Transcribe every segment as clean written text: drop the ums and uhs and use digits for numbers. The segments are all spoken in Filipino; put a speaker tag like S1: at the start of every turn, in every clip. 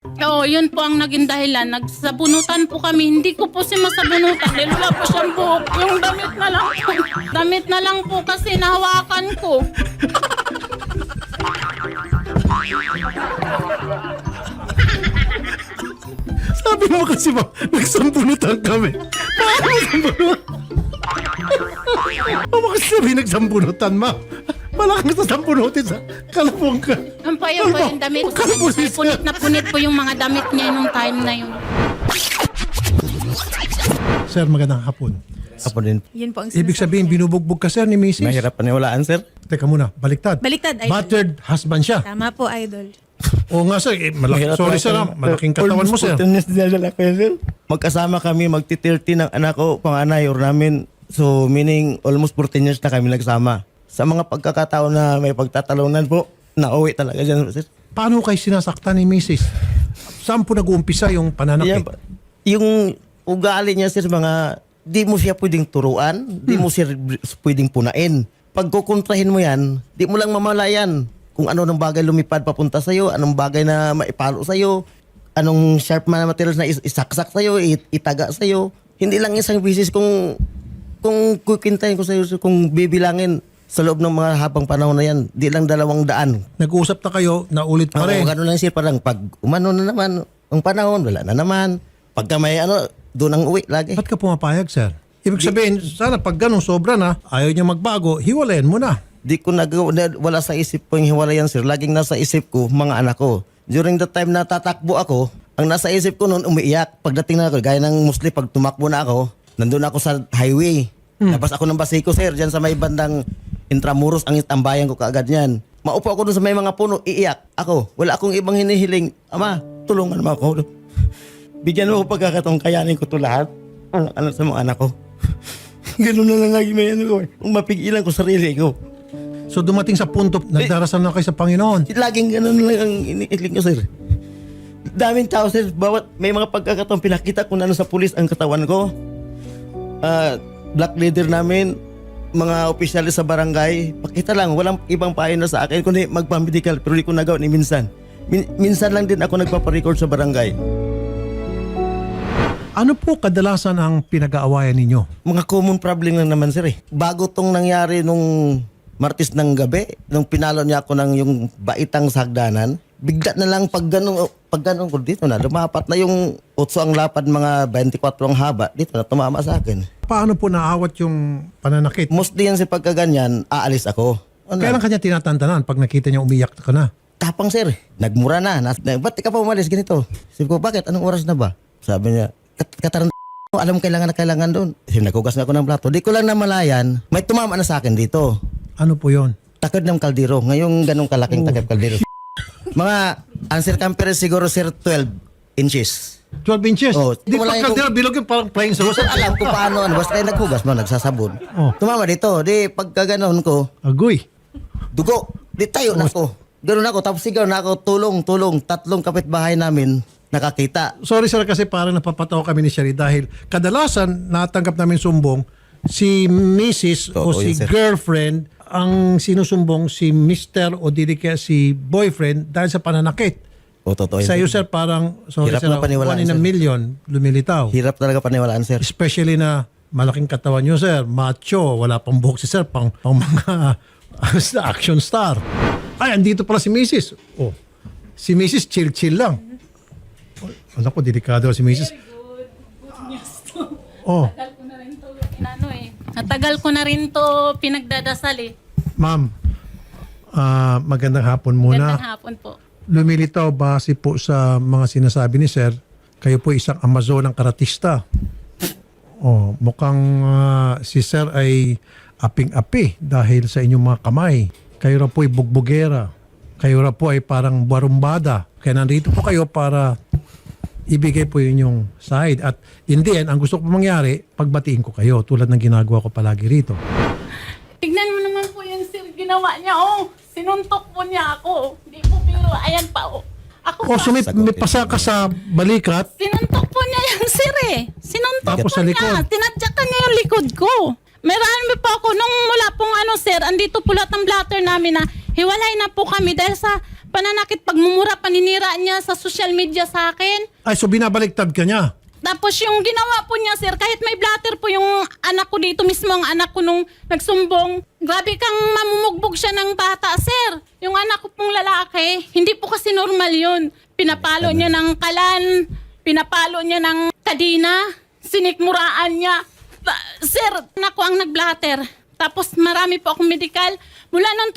S1: Oo, yun po ang naging dahilan. Nagsabunutan po kami. Hindi ko po siya masabunutan dahil wala po siyang buhok. Yung damit na lang po. Damit na lang po kasi nahawakan ko.
S2: Sabi mo kasi ba, nagsambunutan kami. Paano nagsambunutan? Ano kasi sabi nagsambunutan, ma? Wala kang sasambunutin sa kalapong ka.
S1: Ang payo po yung damit. Punit na punit po yung mga damit niya nung time na yun.
S2: Sir, magandang hapon.
S3: Ako din.
S4: Yun po ang
S2: Ibig sabihin, binubugbog ka, sir, ni Mrs.
S3: Mahirap paniwalaan, sir.
S2: Teka muna, baliktad.
S4: Baliktad, idol.
S2: Battered husband siya.
S4: Tama po, idol.
S2: Oo nga, sir. Sorry, sir. Malaking katawan mo, sir.
S3: Magkasama kami, magti-30 ng anak ko, panganay, or namin. So, meaning, almost 14 years na kami nagsama. Sa mga pagkakataon na may pagtatalunan po, nauwi talaga dyan, sir.
S2: Paano kayo sinasaktan ni Mrs.? Saan po nag-uumpisa yung pananakit?
S3: Yung ugali niya, sir, mga, di mo siya pwedeng turuan, di mo siya pwedeng punain. Pag kukontrahin mo yan, di mo lang mamalayan kung ano ng bagay lumipad papunta sa'yo, anong bagay na maipalo sa'yo, anong sharp na materials na isaksak sa'yo, itaga sa'yo. Hindi lang isang bisis kung kukintahin ko sa'yo, kung bibilangin sa loob ng mga habang panahon na yan, di lang 200.
S2: Nag-uusap na kayo, naulit pa rin.
S3: Gano'n lang siya, parang pag umano na naman, ang panahon, wala na naman. Pagka may doon ang uwi lagi.
S2: Ba't ka pumapayag, sir? Ibig sabihin, sana pag ganun sobra na, ayaw niya magbago, hiwalayan mo na.
S3: Di ko wala sa isip ko yung hiwalayan, sir. Laging nasa isip ko, mga anak ko. During the time na tatakbo ako, ang nasa isip ko noon, umiiyak. Pagdating na ako, gaya ng Muslim, pag tumakbo na ako, nandun ako sa highway. Labas ako ng Basico, sir, dyan sa may bandang Intramuros, ang tambayan ko kaagad yan. Maupo ako doon sa may mga puno, iiyak ako. Wala akong ibang hinihiling. Ama, tulungan mo ako. Bigyan mo ako pagkakataong kayanin ko to lahat. Ano sa mga anak ko. Ganun na lang lagi may ano ko. Kung mapigilan ko sarili ko.
S2: So dumating sa punto, nagdarasal na kayo sa Panginoon.
S3: Laging ganun lang ang iniiling ko, sir. Daming tao, sir. Bawat may mga pagkakataong pinakita ko na sa pulis ang katawan ko. Black leader namin, mga opisyalis sa barangay, pakita lang, walang ibang payo na sa akin, kundi magpamedical, pero di ko nagawa ni minsan. Minsan lang din ako nagpaparecord sa barangay.
S2: Ano po kadalasan ang pinag-aawayan ninyo?
S3: Mga common problem lang naman, sir. Bago tong nangyari nung Martes ng gabi, nung pinalo niya ako ng yung baitang sa hagdanan, bigla na lang pag ganun ko dito na, lumapat na yung 8 ang lapad, mga 24 ang haba, dito na tumama sa akin.
S2: Paano po naawat yung pananakit?
S3: Mostly yan sa pagkaganyan, aalis ako.
S2: Kailan kanya tinatantanan pag nakita niya umiyak ka na?
S3: Tapang, sir. Nagmura na. Ba't ka pa umalis? Ganito. Sabi ko, bakit? Anong oras na ba? Sabi niya, kataran alam mo kailangan na kailangan doon. Nagugas na ako ng plato. Di ko lang namalayan, may tumama na sa akin dito.
S2: Ano po yon?
S3: Takod ng kaldero. Ngayong ganong kalaking takip kaldero. Mga, ang circumference siguro, sir, 12 inches.
S2: 12 inches?
S3: Oh,
S2: Di pa
S3: wala yung-
S2: kaldero, bilog yung parang flying saucer.
S3: Sir, alam ko paano. Basta kayo naghugas mo, nagsasabon.
S2: Oh.
S3: Tumama dito. Di, pagka ganon ko,
S2: Agoy.
S3: dugo. Di tayo na ako. Ganun ako. Tapos sigaw na ako, tulong. 3 kapitbahay namin nakakita.
S2: Sorry sir kasi parang napapatawa kami ni Sherry dahil kadalasan natanggap namin sumbong si Mrs. o
S3: Oo,
S2: si
S3: yun, sir.
S2: girlfriend ang sinusumbong si Mr. o dili kaya si boyfriend dahil sa pananakit.
S3: O, totoo yun.
S2: Sa iyo sir parang sorry
S3: Hirap
S2: sir,
S3: na paniwalaan,
S2: 1 in a
S3: sir.
S2: million lumilitaw.
S3: Hirap talaga paniwalaan, sir.
S2: Especially na malaking katawan nyo sir, macho, wala pang buhok si sir, pang mga action star. Ay, andito pala si Mrs. Oh, si Mrs. chill lang. Alam ko, delikado si Mrs. Oh,
S1: Natagal ko na rin to pinagdadasal eh.
S2: ma'am, magandang hapon muna.
S1: Gandang hapon po.
S2: Lumilitaw base po sa mga sinasabi ni sir, kayo po isang Amazon ng karatista. Oh, mukhang si sir ay aping-api dahil sa inyong mga kamay. Kayo raw po ay bugbugera. Kayo raw po ay parang barumbada. Kaya nandito po kayo para ibigay po yun yung side. At in the end, ang gusto ko mangyari, pagbatiin ko kayo tulad ng ginagawa ko palagi rito.
S1: Tignan mo naman po yung sir, ginawa niya. Oh, sinuntok po niya ako. Hindi po pero, ayan pa oh. Ako
S2: O
S1: pa.
S2: may pasa ka sa balikat,
S1: Sinuntok po niya yung sir eh. Sinuntok
S2: Tapos
S1: po
S2: sa
S1: niya.
S2: likod.
S1: Tinadyakan niya yung likod ko. Marami po ako nung mula pong sir, andito po lahat ng blatter namin na hiwalay na po kami dahil sa Pananakit, pagmumura, paninira niya sa social media sa akin.
S2: Ay, so binabaliktad ka niya.
S1: Tapos yung ginawa po niya, sir, kahit may blatter po yung anak ko dito mismo, ang anak ko nung nagsumbong, grabe kang mamumugbog siya ng bata, sir. Yung anak ko pong lalaki, hindi po kasi normal yun. Pinapalo niya ng kalan, pinapalo niya ng kadina, sinikmuraan niya. Sir, anak ko ang nagblatter. Tapos marami po akong medical. Mula noong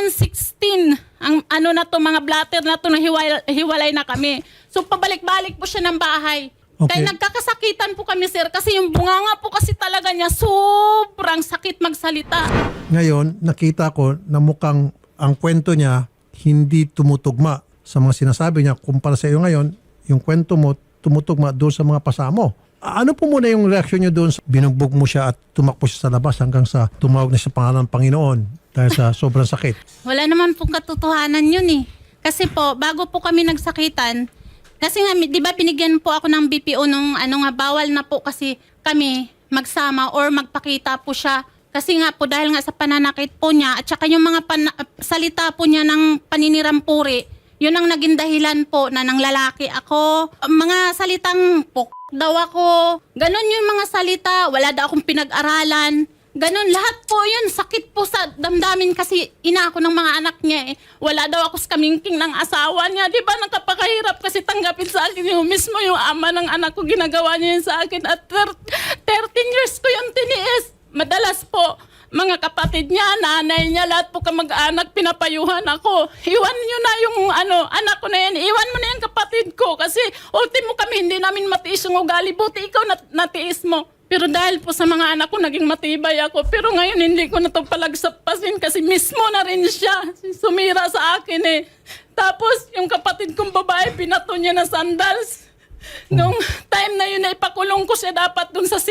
S1: 2016, ang ano na to, mga blatter na to, hiwalay na kami. So pabalik-balik po siya ng bahay.
S2: Okay.
S1: Kaya nagkakasakitan po kami, sir, kasi yung bunganga po kasi talaga niya, sobrang sakit magsalita.
S2: Ngayon, nakita ko na mukhang ang kwento niya hindi tumutugma sa mga sinasabi niya. Kumpara sa iyo ngayon, yung kwento mo tumutugma doon sa mga pasamo. Ano po muna yung reaksyon niyo doon? Binugbog mo siya at tumakbo siya sa labas hanggang sa tumawag na sa pangalan ng Panginoon dahil sa sobrang sakit.
S1: Wala naman pong katotohanan yun eh. Kasi po, bago po kami nagsakitan, kasi nga, di ba binigyan po ako ng BPO nung bawal na po kasi kami magsama or magpakita po siya. Kasi nga po dahil nga sa pananakit po niya at saka yung mga salita po niya ng paninirampuri, yun ang naging dahilan po na nang lalaki ako. Mga salitang daw ako. Ganon yung mga salita, wala daw akong pinag-aralan. Ganon, lahat po yun. Sakit po sa damdamin kasi ina ako ng mga anak niya eh. Wala daw ako sa kamingking ng asawa niya. Di ba nakapakahirap kasi tanggapin sa akin yung mismo yung ama ng anak ko. Ginagawa niya yun sa akin at 13 years ko yung tiniis. Madalas po, mga kapatid niya, nanay niya, lahat po kamag-anak, pinapayuhan ako. Iwan niyo na yung anak ko na yan. Iwan mo na yung kapatid ko kasi ultimo kami, hindi namin matiis yung ugali. Buti ikaw natiis mo. Pero dahil po sa mga anak ko, naging matibay ako. Pero ngayon, hindi ko na ito palagsapasin kasi mismo na rin siya. Sumira sa akin eh. Tapos, yung kapatid kong babae, pinato niya ng sandals. Nung time na yun, ipakulong ko siya dapat dun sa 5.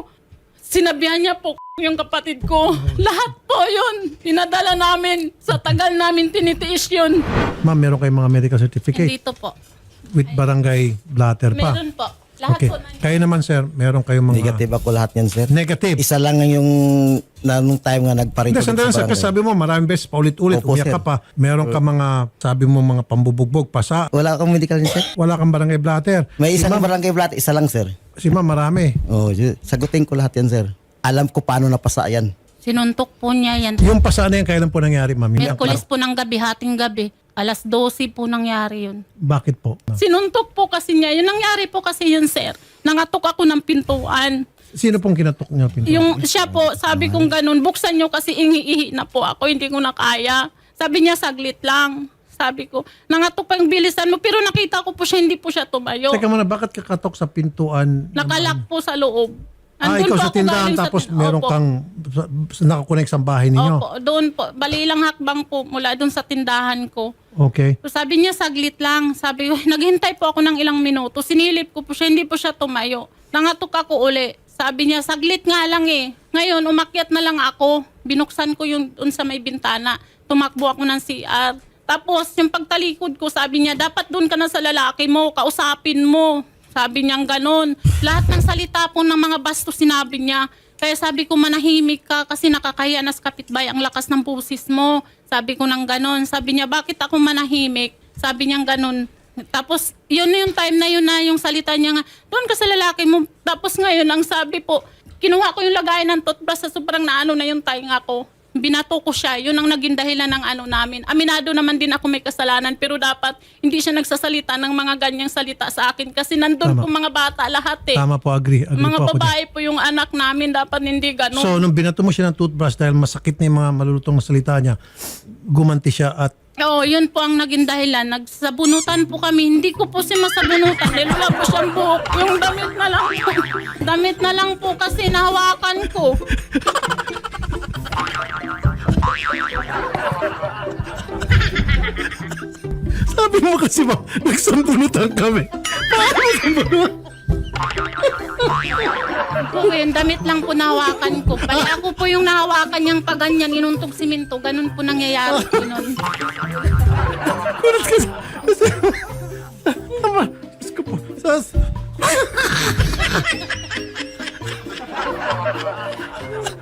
S1: Sinabihan niya po yung kapatid ko. Lahat po yun. Pinadala namin. Sa tagal namin tinitiis yun.
S2: Ma'am, meron kayong mga medical certificate
S1: Dito po.
S2: with barangay blatter pa.
S1: Meron po. Lahat
S2: Okay.
S1: po na
S2: Kayo naman, sir, meron kayong mga...
S3: Negative ako lahat yan, sir.
S2: Negative.
S3: Isa lang yung nung time nga
S2: Hindi,
S3: nagparito.
S2: sandali sir, kasi sabi mo maraming beses paulit-ulit,
S3: Opo,
S2: umiyak
S3: sir.
S2: ka pa. Meron ka mga, sabi mo mga pambubugbog, pasa.
S3: Wala akong medical din, sir.
S2: Wala kang barangay blatter.
S3: May isang barangay blat, isa lang, sir.
S2: Si ma'am, marami.
S3: Oh, sagutin ko lahat yan, sir. Alam ko paano napasa yan.
S1: Sinuntok po niya yan.
S2: Yung pasa na yan, kailan po nangyari, ma'am? Hindi-
S1: Merkulis po ng gabi, hating gabi. Alas 12 po nangyari yun.
S2: Bakit po?
S1: Sinuntok po kasi niya. Yung nangyari po kasi yun, sir. Nangatok ako ng pintuan.
S2: Sino pong kinatok niyo pinto?
S1: Yung siya po, sabi kong ganun, buksan nyo kasi ihi na po ako. Hindi ko na kaya. Sabi niya, saglit lang. Sabi ko, nangatok pa yung bilisan mo. Pero nakita ko po siya, hindi po siya tumayo.
S2: Teka muna, bakit kakatok sa pintuan?
S1: Nakalak po sa loob. Andun
S2: Ikaw
S1: po
S2: sa
S1: ako
S2: tindahan
S1: galing sa
S2: tapos
S1: tin-
S2: meron
S1: Opo.
S2: kang nakakonect sa bahay ninyo.
S1: Opo, doon po. Bali lang hakbang po mula doon sa tindahan ko.
S2: Okay.
S1: So sabi niya, saglit lang. Sabi ko, naghintay po ako ng ilang minuto. Sinilip ko po siya, hindi po siya tumayo. Nangatok ako uli. Sabi niya, saglit nga lang eh. Ngayon, umakyat na lang ako. Binuksan ko yung doon sa may bintana. Tumakbo ako ng CR. Tapos, yung pagtalikod ko, sabi niya, dapat doon ka na sa lalaki mo, kausapin mo. Sabi niya ganon. Lahat ng salita po ng mga basto sinabi niya. Kaya sabi ko, manahimik ka kasi nakakahiya na sa kapitbahay ang lakas ng pusis mo. Sabi ko nang ganon. Sabi niya, bakit ako manahimik? Sabi niya ganon. Tapos, yun yung time na yun na yung salita niya nga, doon ka sa lalaki mo. Tapos ngayon, ang sabi po, kinuha ko yung lagayan ng toothbrush sa sobrang naano na yung tainga ko. Binato ko siya. Yun ang naging dahilan ng namin. Aminado naman din ako may kasalanan pero dapat hindi siya nagsasalita ng mga ganyang salita sa akin kasi nandun
S2: Tama.
S1: po mga bata lahat eh.
S2: Tama po, agree
S1: Mga
S2: po ako dyan.
S1: babae po yung anak namin, dapat hindi ganun.
S2: So, nung binato mo siya ng toothbrush dahil masakit na yung mga malulutong na salita niya, gumanti siya at
S1: Oo, yun po ang naging dahilan. Nagsabunutan po kami. Hindi ko po siya masabunutan. Dahil wala po siyang buhok. Yung damit na lang po. Damit na lang po kasi nahawakan ko.
S2: sabi mo kasi ba, nagsambunutan kami.
S1: Po, yung damit lang po nahawakan ko. Bali ako po yung nahawakan niyang paganyan, inuntog siminto. Ganun po nangyayari po nun.
S2: Kunat kasi. Tama. Diyos ko po.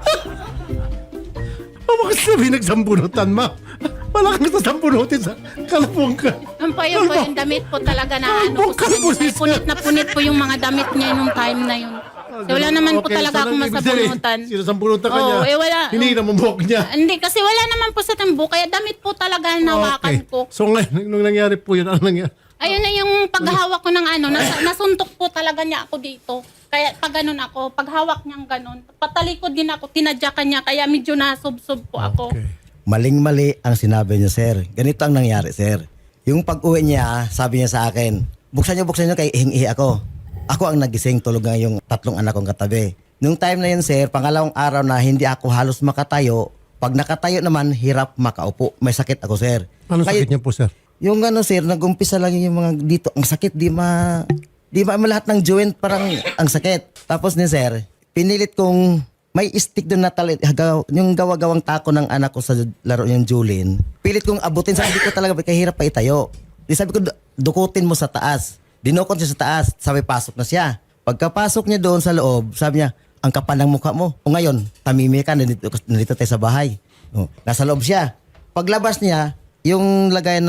S2: Mama kasi sabi nagsambunutan, ma. Wala kang sasambunutin sa Kalpong ka.
S1: Yun po yung damit po talaga na ano po sa kanya. Punit po yung mga damit niya nung time na yun. Wala naman po talaga akong masabunutan.
S2: Sinasambunutan ka
S1: Oo,
S2: niya.
S1: wala.
S2: Hindi na mumok niya.
S1: Hindi, kasi wala naman po sa tambo. Kaya damit po talaga ang nawakan ko.
S2: So ngayon, nung nangyari po yun, ano nangyari?
S1: Ayun na yung paghawak ko ng ano, nasuntok po talaga niya ako dito. Kaya pag ganun ako, paghawak niyang ganun, patalikod din ako, tinadyakan niya, kaya medyo nasubsob po ako.
S2: Okay.
S3: Maling-mali ang sinabi niya, sir. Ganito ang nangyari, sir. Yung pag-uwi niya, sabi niya sa akin, buksan niyo, kay ihingi ako. Ako ang nagising, tulog nga yung 3 anak kong katabi. Nung time na yun, sir, pangalawang araw na hindi ako halos makatayo. Pag nakatayo naman, hirap makaupo. May sakit ako, sir.
S2: Anong sakit niya po, sir?
S3: Yung ano, sir, nag-umpisa lang yung mga dito. Ang sakit, di ma lahat ng joint, parang ang sakit. Tapos ni sir, pinilit kong may stick doon na yung gawa-gawang tako ng anak ko sa laro yung Julin. Pilit kong abutin, sabi ko talaga, kahirap pa itayo. Di sabi ko, dukutin mo sa taas. Dinukot siya sa taas, sabi pasok na siya. Pagkapasok niya doon sa loob, sabi niya, ang kapal ng mukha mo. O ngayon, tamimi ka, nandito tayo sa bahay. O, nasa loob siya. Paglabas niya, yung lagayan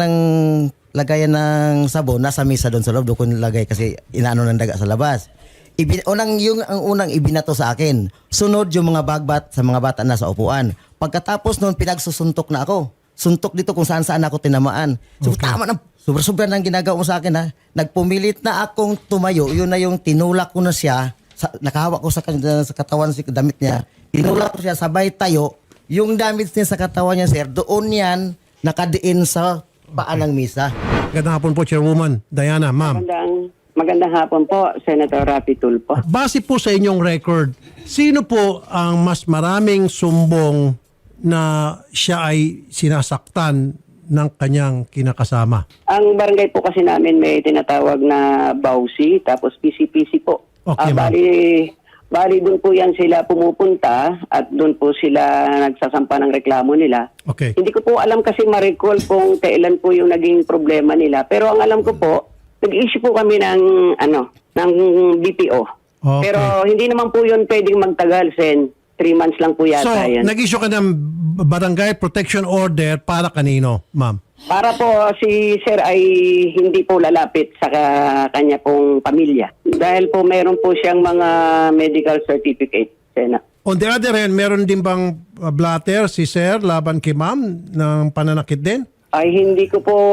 S3: ng sabon, nasa mesa doon sa loob, doon ko nilagay kasi inaano ng daga sa labas. Ang unang ibinato sa akin. Sunod yung mga bagbat sa mga bata na sa upuan. Pagkatapos noon, pinagsusuntok na ako. Suntok dito kung saan ako tinamaan. So tama na, sobra-sobra nang ginagawa mo sa akin ha. Nagpumilit na akong tumayo. Yun na yung tinulak ko na siya. Nakahawak ko sa katawan, sa damit niya. Tinulak ko siya, sabay tayo. Yung damit niya sa katawan niya, sir, doon yan nakadiin sa paan ng misa.
S2: Magandang hapon po, Chairwoman Diana, ma'am.
S4: Magandang hapon po, Senator Rapi Tulfo.
S2: Base po sa inyong record, sino po ang mas maraming sumbong na siya ay sinasaktan ng kanyang kinakasama?
S4: Ang barangay po kasi namin may tinatawag na Bausi, tapos PCPC po.
S2: Okay, ma'am.
S4: Bali doon po yan sila pumupunta at doon po sila nagsasampa ng reklamo nila.
S2: Okay.
S4: Hindi ko po alam kasi ma-recall kung kailan po yung naging problema nila. Pero ang alam ko po, nag-issue po kami ng BPO.
S2: Okay.
S4: Pero hindi naman po yun pwedeng magtagal, Sen. 3 months lang po
S2: So,
S4: yata yan.
S2: nag-issue ka ng barangay protection order para kanino, ma'am?
S4: Para po si Sir ay hindi po lalapit sa kanya pong pamilya. Dahil po meron po siyang mga medical certificate, Sena.
S2: On the other hand, meron din bang blatter si Sir laban kay ma'am ng pananakit din?
S4: Ay hindi ko po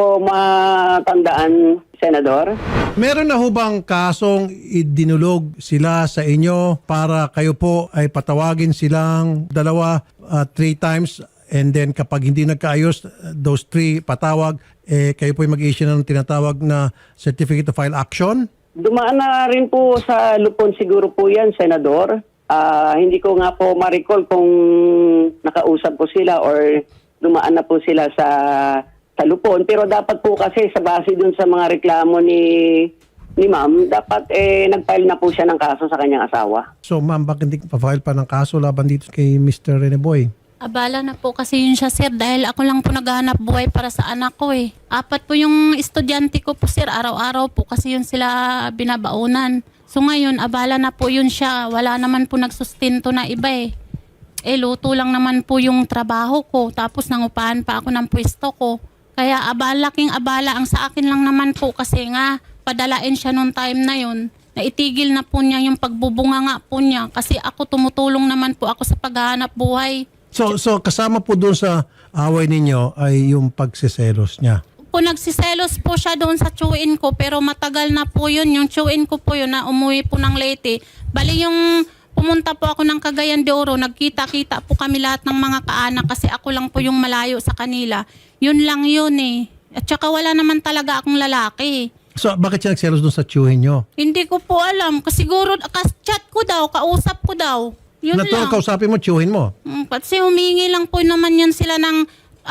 S4: matandaan, Senador.
S2: Meron na ho bang kasong idinulog sila sa inyo para kayo po ay patawagin silang 2, 3 times and then kapag hindi nagkaayos, those 3 patawag, kayo po ay mag-issue ng tinatawag na Certificate to File Action?
S4: Dumaan na rin po sa lupon siguro po yan, Senador. Hindi ko nga po ma-recall kung nakausap ko sila or dumaan na po sila sa lupon. Pero dapat po kasi sa base dun sa mga reklamo ni ma'am, dapat nag-file na po siya ng kaso sa kanyang asawa.
S2: So ma'am, bakit hindi pa-file pa ng kaso laban dito kay Mr. Rene Boy?
S1: Abala na po kasi yun siya, sir, dahil ako lang po naghahanap buhay para sa anak ko eh. 4 po yung estudyante ko po, sir, araw-araw po kasi yun sila binabaunan. So ngayon, abala na po yun siya. Wala naman po nagsustinto na iba eh. Luto lang naman po yung trabaho ko. Tapos nangupahan pa ako ng pwesto ko. Kaya laking abala ang sa akin lang naman po kasi nga padalain siya nung time na yun. Naitigil na po niya yung pagbubunga nga po niya kasi ako tumutulong naman po ako sa paghahanap buhay.
S2: So kasama po doon sa away ninyo ay yung pagsiselos niya.
S1: Po nagsiselos po siya doon sa tsuin ko pero matagal na po yun. Yung tsuin ko po yun na umuwi po ng Leyte. Bali yung pumunta po ako ng Cagayan de Oro, nagkita-kita po kami lahat ng mga kaanak kasi ako lang po yung malayo sa kanila. Yun lang yun eh. At saka wala naman talaga akong lalaki.
S2: So bakit siya nagselos doon sa tiyuhin nyo?
S1: Hindi ko po alam. Kasi siguro chat ko daw, kausap ko daw. Yun
S2: Natural
S1: lang.
S2: kausapin mo, tiyuhin mo.
S1: Kasi humingi lang po naman yan sila ng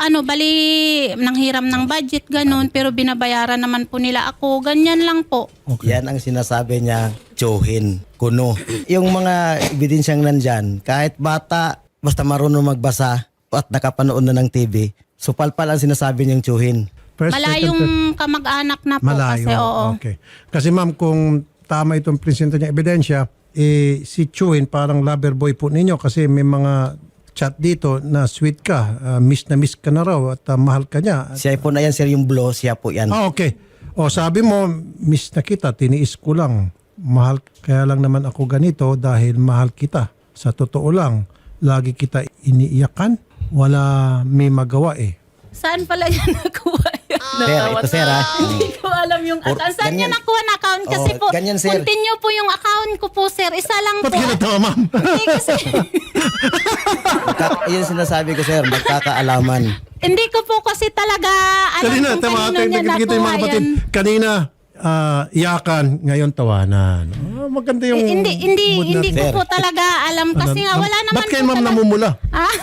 S1: nang hiram ng budget, ganun. Pero binabayaran naman po nila ako. Ganyan lang po.
S2: Okay.
S3: Yan ang sinasabi niya, tsuhin, kuno. Yung mga ebidensyang nandyan, kahit bata, basta marunong magbasa at nakapanood na ng TV, so palpal ang sinasabi niyang tsuhin.
S2: First,
S1: Malayong kamag-anak na po
S2: malayo.
S1: kasi oo.
S2: Okay. Kasi ma'am, kung tama itong presento niya ebidensya, si Chuin parang lover boy po ninyo kasi may mga nag-chat dito na sweet ka, miss na miss ka na raw at mahal ka niya.
S3: Siya po na yan, sir, yung blow, siya po yan.
S2: Okay. O sabi mo, miss na kita, tiniis ko lang. Mahal, kaya lang naman ako ganito dahil mahal kita. Sa totoo lang, lagi kita iniiyakan. Wala may magawa eh.
S1: Saan pala yan nakuha yan?
S3: Sir, ito sir ha.
S1: Hindi ko alam yung account. Saan niya
S3: ganyan.
S1: nakuha na account? Kasi
S3: Oo,
S1: po,
S3: ganyan, sir.
S1: continue po yung account ko po, sir. Isa lang
S2: Ba't
S1: po.
S2: ginatawa, ma'am?
S1: Hindi kasi,
S3: Yun sinasabi ko, sir, magkakaalaman.
S1: hindi ko po kasi talaga alam
S2: Kanina,
S1: kung
S2: tama,
S1: kanino niya
S2: nakikita yung mga
S1: nakuha
S2: kapatid.
S1: yan.
S2: Kanina, iyakan, ngayon tawanan. Maganda yung mood
S1: Hindi
S2: natin.
S1: ko
S3: Sir.
S1: po talaga alam kasi nga wala naman
S2: Ba't kayo
S1: po
S2: ma'am
S1: talaga-
S2: namumula?
S1: Ah,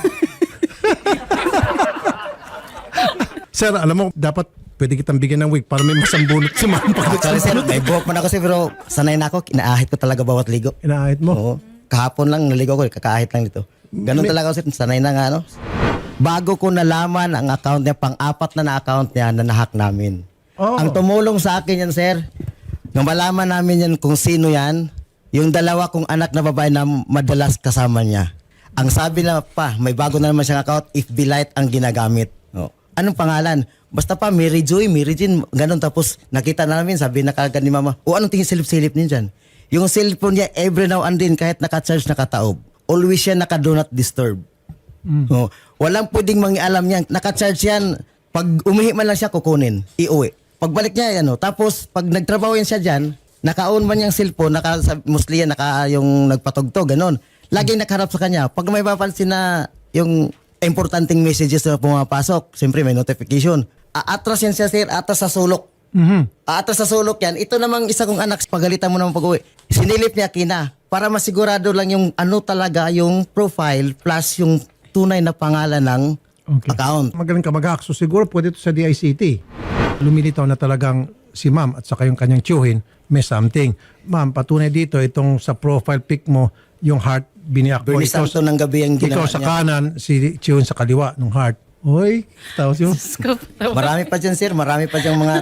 S2: Sir, alam mo, dapat pwede kitang bigyan ng wig para may masambunot si ma'am.
S3: Actually, sir, may buhok man ako, sir, pero sanay na ako. Inaahit ko talaga bawat ligo.
S2: Inaahit mo.
S3: Oo. Kahapon lang naligo ko, kakaahit lang dito. Ganun talaga ako, sir. Sanay na nga, ano. Bago ko nalaman ang account niya, pang-apat na account niya na nahack namin.
S2: Oh.
S3: Ang tumulong sa akin yan, sir, nung malaman namin yan kung sino yan, yung dalawa kong anak na babae na madalas kasama niya. Ang sabi na pa, may bago na naman siyang account, if Light ang ginagamit. Oh. Anong pangalan? Basta pa, Mary Joy, Mary Jean, ganun. Tapos nakita namin, sabi na kagad ni mama, anong tingin silip-silip niya dyan? Yung cellphone niya, every now and then, kahit naka-charge, nakataob. Always siya naka-do not disturb. Oh, walang pwedeng mangialam niyan. Naka-charge yan. Pag umihi man lang siya, kukunin. Iuwi. Pagbalik niya, tapos pag nagtrabaho yan siya dyan, naka-on man yung cellphone, mostly yan, yung nagpatugtog, ganun. Laging nakaharap sa kanya. Pag may papansin na yung importanteng messages na pumapasok, siyempre may notification. Aatras yan siya, sir, atas sa sulok. Aatras sa sulok yan. Ito namang isa kong anak, pagalitan mo naman pag-uwi. Sinilip niya kina para masigurado lang yung ano talaga yung profile plus yung tunay na pangalan ng account.
S2: Magaling ka mag-hack. So siguro pwede ito sa DICT. Lumilitaw na talagang si ma'am at saka yung kanyang tiyuhin may something. Ma'am, patunay dito itong sa profile pic mo, yung heart biniyak mo.
S3: Bernie Santo ng gabi ang
S2: Ikaw
S3: ginawa
S2: sa
S3: niya.
S2: kanan, si tiyuhin sa kaliwa ng heart. Oy, tapos yung...
S3: Marami pa dyan, sir. Marami pa dyan mga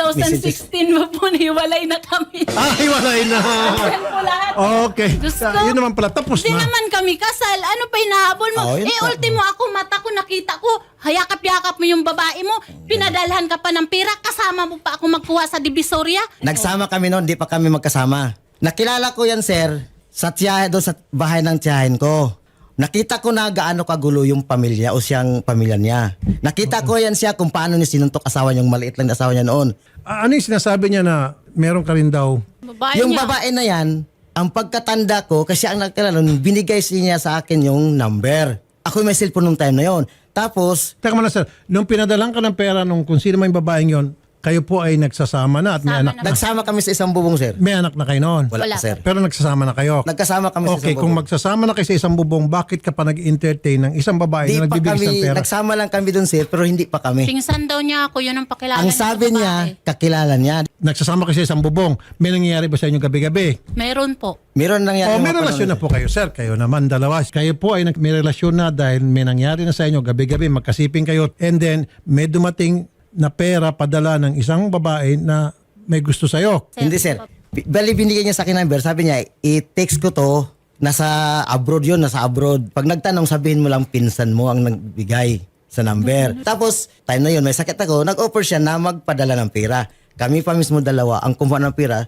S1: 2016 mo po, hiwalay na kami.
S2: hiwalay na.
S1: Yan po lahat.
S2: Okay.
S1: Diyos ko.
S2: Yun naman pala, tapos
S1: Hindi
S2: na.
S1: naman kami kasal. Ano pa inahabol mo?
S3: Oh, yun pa.
S1: Ultimo ako, mata ko, nakita ko, hayakap-yakap mo yung babae mo, pinadalhan ka pa ng pera, kasama mo pa ako magkuha sa Divisoria.
S3: Nagsama kami noon, di pa kami magkasama. Nakilala ko yan, sir, sa tiyahe doon sa bahay ng tiyahin ko. Nakita ko na gaano kagulo yung pamilya o siyang pamilya niya. Nakita ko yan siya kung paano niya sinuntok asawa niya, yung maliit lang na asawa niya noon.
S2: Ano yung sinasabi niya na meron ka rin daw?
S1: Babae
S3: Yung
S1: niya.
S3: babae na yan, ang pagkatanda ko, kasi ang nagkalala nun, binigay niya sa akin yung number. Ako may cellphone nung time na yon. Tapos,
S2: Teka muna sir, nung pinadalang ka ng pera nung kung sino man yung babaeng yon, kayo po ay nagsasama na at may
S1: Sama
S2: anak
S1: na.
S2: na.
S3: nagsama kami sa isang bubong, sir.
S2: May anak na kayo noon.
S3: Wala,
S1: Wala.
S3: pa, sir.
S2: Pero nagsasama na kayo.
S3: Nagkasama kami sa
S2: Okay,
S3: isang
S2: kung
S3: bubong.
S2: magsasama na kayo sa isang bubong, bakit ka pa nag-entertain ng isang babae
S3: Di
S2: na
S3: pa
S2: nagbibigay ng
S3: kami,
S2: pera?
S3: nagsama lang kami doon, sir, pero hindi pa kami.
S1: Pingsan daw niya ako, yun ang pakilala
S3: Ang
S1: niya sa
S3: sabi niya,
S1: babae.
S3: kakilala niya.
S2: Nagsasama kayo sa isang bubong. May nangyayari ba sa inyo gabi-gabi?
S1: Meron po.
S3: Meron nangyari.
S2: May relasyon na po kayo, sir. Kayo naman, dalawa. Kayo po ay may relasyon na dahil may nangyari na sa inyo gabi-gabi, magkasiping kayo. And then, may dumating na pera padala ng isang babae na may gusto sa'yo.
S3: Hindi, sir. Bali, binigay niya sa akin number. Sabi niya, i-text ko to. Nasa abroad yun, nasa abroad. Pag nagtanong, sabihin mo lang pinsan mo ang nagbigay sa number. Tapos, time na yun, may sakit ako. Nag-offer siya na magpadala ng pera. Kami pa mismo dalawa, ang kumuha ng pera.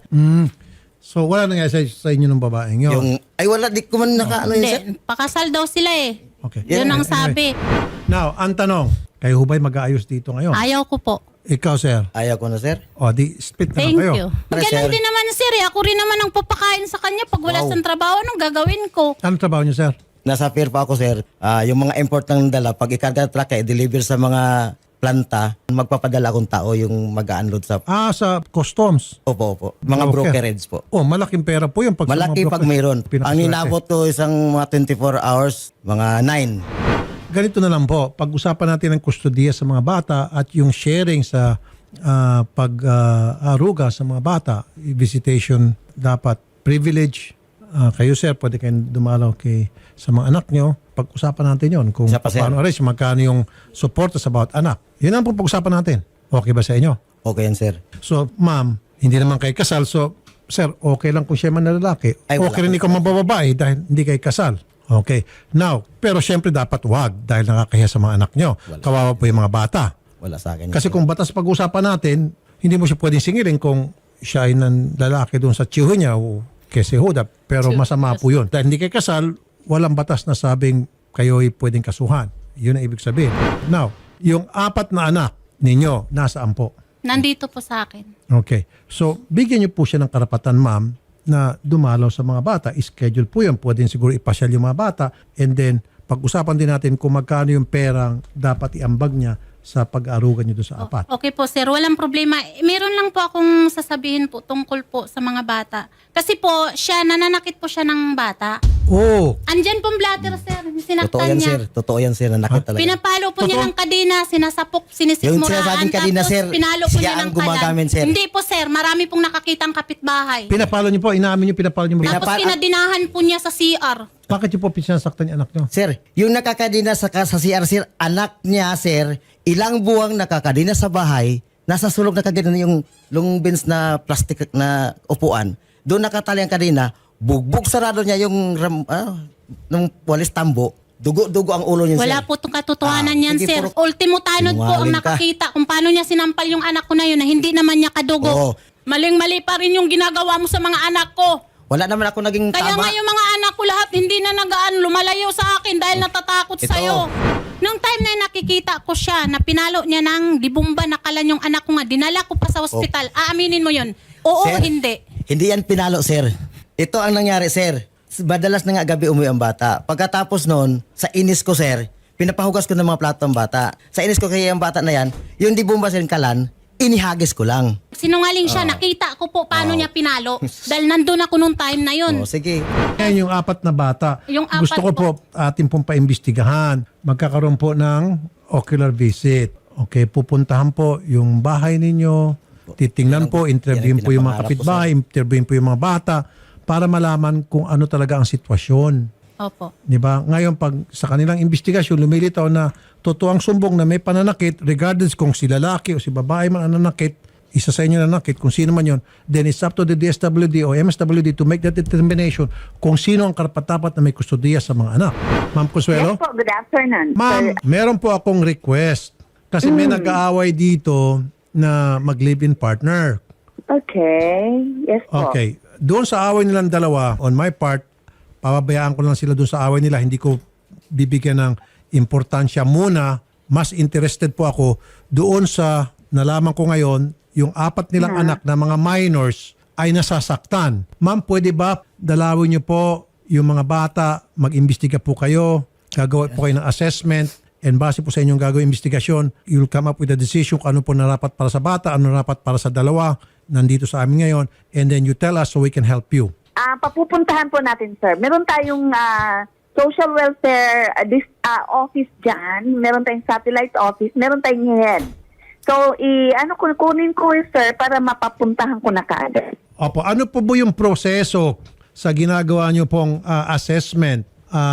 S2: So, wala nangyari sa inyo ng babaeng yun.
S3: Yung, ay wala, di ko man naka-ano yun, sir.
S1: Hindi, pakasal daw sila eh.
S2: Okay.
S1: Yun ang
S2: Anyway.
S1: sabi.
S2: Now, ang tanong, kayo hubay mag-aayos dito ngayon?
S1: Ayaw ko po.
S2: Ikaw, sir.
S3: Ayaw ko na, sir.
S2: O, di split na lang
S1: Thank
S2: kayo.
S1: you.
S3: Para,
S1: Ganun
S3: sir.
S1: din naman sir, ako rin naman ang papakain sa kanya pag wala siyang trabaho, anong gagawin ko?
S2: Ano trabaho niyo, sir?
S3: Nasa pier pa ako, sir. Yung mga import ng dala, pag ikarga truck, i-deliver sa mga planta, magpapadala akong tao yung mag-unload sa...
S2: Sa customs.
S3: Opo. Mga
S2: Okay.
S3: brokerage po.
S2: Oh, malaking pera po yung pag
S3: Malaki pag mayroon. Ang
S2: Pinakaswerte.
S3: inabot ko isang mga 24 hours, mga 9.
S2: Ganito na lang po, pag-usapan natin ang kustodiya sa mga bata at yung sharing sa pag-aruga sa mga bata, visitation dapat privilege. Kayo sir, pwede kayong dumalaw sa mga anak nyo. Pag-usapan natin yon kung
S3: Siya pa, sir.
S2: paano arrange, magkano yung support sa bawat anak. Yun ang po pag-usapan natin. Okay ba sa inyo?
S3: Okay yan, sir.
S2: So, ma'am, hindi naman kayo kasal. So, sir, okay lang kung siya man na lalaki.
S3: Ay, wala
S2: Okay rin ikaw mabababae dahil hindi kayo kasal. Okay. Now, pero syempre dapat wag dahil nakakahiya sa mga anak nyo. Kawawa po yung mga bata.
S3: Wala sa akin.
S2: Kasi kung batas pag-usapan natin, hindi mo siya pwedeng singilin kung siya ay ng lalaki doon sa tiyuhin niya o kese huda. Pero masama po yun. Dahil hindi kayo kasal, walang batas na sabing kayo ay pwedeng kasuhan. Yun ang ibig sabihin. Now, yung 4 na anak ninyo, nasaan po?
S1: Nandito po sa akin.
S2: Okay. So, bigyan niyo po siya ng karapatan, ma'am, na dumalaw sa mga bata. Schedule po yan. Pwedeng siguro ipasyal yung mga bata. And then, pag-usapan din natin kung magkano yung perang dapat iambag niya sa pag-aarugan niyo doon sa 4.
S1: Okay po sir, walang problema. Meron lang po akong sasabihin po tungkol po sa mga bata. Kasi po, nananakit po siya ng bata.
S2: Oh,
S1: Andyan pong blatter sir,
S3: Totoo
S1: sinaktan
S3: yan,
S1: niya.
S3: sir. Totoo yan, sir. Nanakit talaga.
S1: Pinapalo po niya
S2: Totoo?
S1: ng kadena, sinasapok,
S3: Yung
S1: sinisikmuraan.
S3: sinasabing kadena, sir,
S1: pinalo po
S3: siya
S1: niya
S3: ang
S1: ng
S3: gumagamit, sir.
S1: Hindi po sir, marami pong nakakitang kapitbahay.
S2: pinapalo niyo po, inaamin niyo, pinapalo niyo.
S1: Tapos pinadinahan po niya sa CR.
S2: Bakit niyo po pinasaktan yung anak niyo?
S3: Sir, yung nakakadina sa CR, sir, anak niya, sir, ilang buwang nakakadina sa bahay, nasa sulok na kagana yung long bench na plastic na upuan. Doon nakatali ang kadina, bugbog sarado niya yung ng walis tambo, dugo-dugo ang ulo niya,
S1: Wala
S3: sir.
S1: po itong katotohanan yan,
S3: sige,
S1: sir.
S3: puro-
S1: Ultimo tanod po ang
S3: Sinungaling ka.
S1: nakakita kung paano niya sinampal yung anak ko na yun na hindi naman niya kadugo.
S3: Oo.
S1: Maling-mali pa rin yung ginagawa mo sa mga anak ko.
S3: Wala naman ako naging
S1: Kaya
S3: tama.
S1: nga yung mga anak ko lahat hindi na nagaan lumalayo sa akin dahil natatakot
S3: Ito.
S1: sa'yo. Nung time na nakikita ko siya na pinalo niya ng dibumba na kalan yung anak ko nga, dinala ko pa sa ospital. Aaminin mo yun? Oo,
S3: Sir,
S1: hindi.
S3: Hindi yan pinalo, sir. Ito ang nangyari, sir. Madalas na nga gabi umuwi ang bata. Pagkatapos noon, sa inis ko, sir, pinapahugas ko ng mga plato ang bata. Sa inis ko kaya ang bata na yan, yung di bumba sir kalan, inihagis ko lang.
S1: Sinungaling siya, nakita ko po paano niya pinalo. Dahil nandun ako nung time na yun.
S3: O, sige.
S2: Ngayon yung 4 na bata,
S1: Yung 4
S2: gusto ko po atin pong paimbestigahan. Magkakaroon po ng ocular visit. Okay, pupuntahan po yung bahay ninyo, titingnan po, interviewin po yung mga kapitbahay, interviewin po yung mga bata para malaman kung ano talaga ang sitwasyon.
S1: Opo.
S2: Di ba? Ngayon, pag sa kanilang investigasyon, lumilitaw na totoo ang sumbong na may pananakit, regardless kung si lalaki o si babae man ang nanakit, isa sa inyo nanakit, kung sino man yon, then it's up to the DSWD o MSWD to make that determination kung sino ang karapat-dapat na may kustodiya sa mga anak. Ma'am Consuelo?
S5: Yes po, good afternoon.
S2: Ma'am, meron po akong request. Kasi may nag-aaway dito na mag-live-in partner.
S5: Okay. Yes po.
S2: Okay. Doon sa away nilang dalawa, on my part, pababayaan ko lang sila doon sa away nila. Hindi ko bibigyan ng importansya muna. Mas interested po ako doon sa nalaman ko ngayon, yung 4 nilang anak na mga minors ay nasasaktan. Ma'am, pwede ba dalawin niyo po yung mga bata, mag-imbestiga po kayo, gagawa po kayo ng assessment, and base po sa inyong gagawin investigasyon, you'll come up with a decision kung ano po narapat para sa bata, ano narapat para sa dalawa, nandito sa amin ngayon, and then you tell us so we can help you.
S5: Papupuntahan po natin, sir. Meron tayong social welfare office dyan. Meron tayong satellite office. Meron tayong head. So, kunin ko, sir, para mapapuntahan ko na kaagad.
S2: Opo, ano po ba yung proseso sa ginagawa niyo pong assessment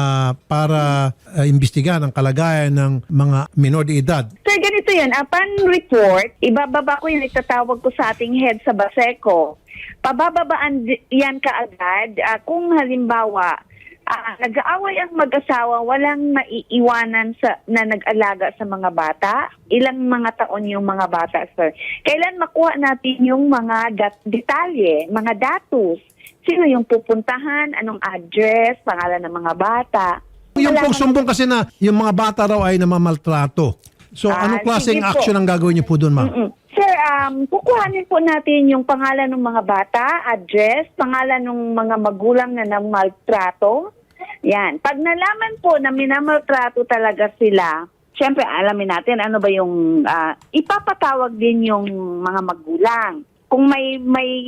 S2: para imbestigahan ang kalagayan ng mga minor de edad?
S5: Sir, ganito yan. Upon report, ibababa ko yan, itatawag ko sa ating head sa Baseco. Pabababaan yan kaagad kung halimbawa nag-aaway ang mag-asawa, walang maiiwanan na nag-alaga sa mga bata. Ilang mga taon yung mga bata, sir. Kailan makuha natin yung mga detalye, mga datos? Sino yung pupuntahan, anong address, pangalan ng mga bata?
S2: Yung
S5: Wala
S2: pong
S5: naman-
S2: sumbong kasi na yung mga bata raw ay namamaltrato. So anong klaseng
S5: sige po.
S2: action ang gagawin niyo po doon, ma'am?
S5: Sir, kukuhanin po natin yung pangalan ng mga bata, address, pangalan ng mga magulang na namaltrato. Yan. Pag nalaman po na minamaltrato talaga sila, syempre alamin natin ano ba yung ipapatawag din yung mga magulang. Kung may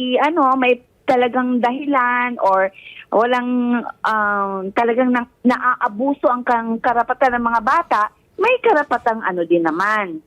S5: talagang dahilan or walang talagang naaabuso ang karapatan ng mga bata, may karapatang din naman.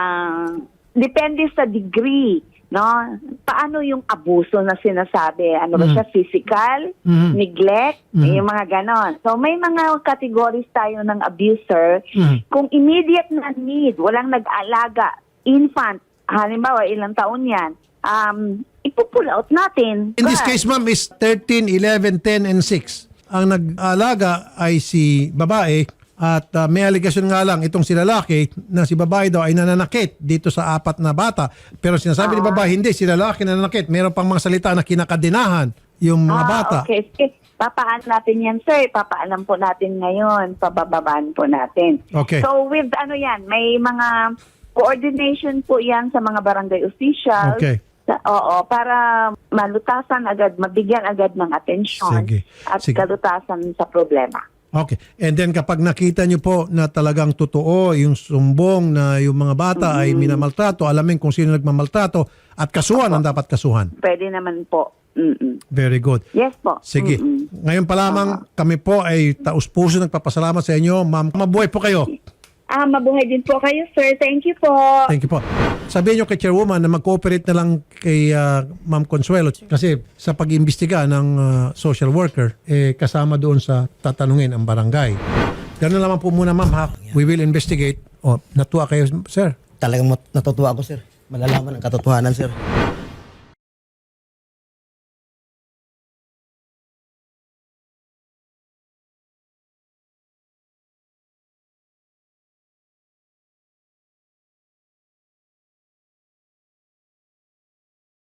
S5: Depende sa degree, no? Paano yung abuso na sinasabi? Ano ba siya? Physical? Neglect? Yung mga ganon. So may mga categories tayo ng abuser. Kung immediate na need, walang nag-alaga, infant, halimbawa ilang taon yan, ipupull out natin.
S2: In this
S5: But-
S2: case, ma'am, is 13, 11, 10, and 6. ang nag-alaga ay si babae at may aligasyon nga lang itong si lalaki na si babae daw ay nananakit dito sa 4 na bata. Pero sinasabi ni babae, hindi, si lalaki nananakit. Meron pang mga salita na kinakadinahan yung mga bata.
S5: Okay. Sige. Papaan natin yan, sir. Papaalam po natin ngayon. Pabababaan po natin.
S2: Okay.
S5: So with may mga coordination po yan sa mga barangay officials.
S2: Okay.
S5: Para malutasan agad, mabigyan agad ng atensyon
S2: Sige.
S5: at
S2: Sige.
S5: kalutasan sa problema.
S2: Okay. And then kapag nakita nyo po na talagang totoo yung sumbong na yung mga bata ay minamaltrato, alamin kung sino nagmamaltrato at kasuhan ang dapat kasuhan.
S5: Pwede naman po.
S2: Very good.
S5: Yes po.
S2: Sige. Ngayon pa lamang kami po ay taus-puso nagpapasalamat sa inyo. Ma'am, mabuhay po kayo.
S5: Mabuhay din po kayo, sir. Thank you po.
S2: Thank you po. Sabihin nyo kay Chairwoman na mag-cooperate na lang kay Ma'am Consuelo kasi sa pag-imbestiga ng social worker, kasama doon sa tatanungin ang barangay. Ganun naman po muna, ma'am, ha? We will investigate. Natuwa kayo, sir.
S3: Talagang natutuwa ako, sir. Malalaman ang katotohanan, sir.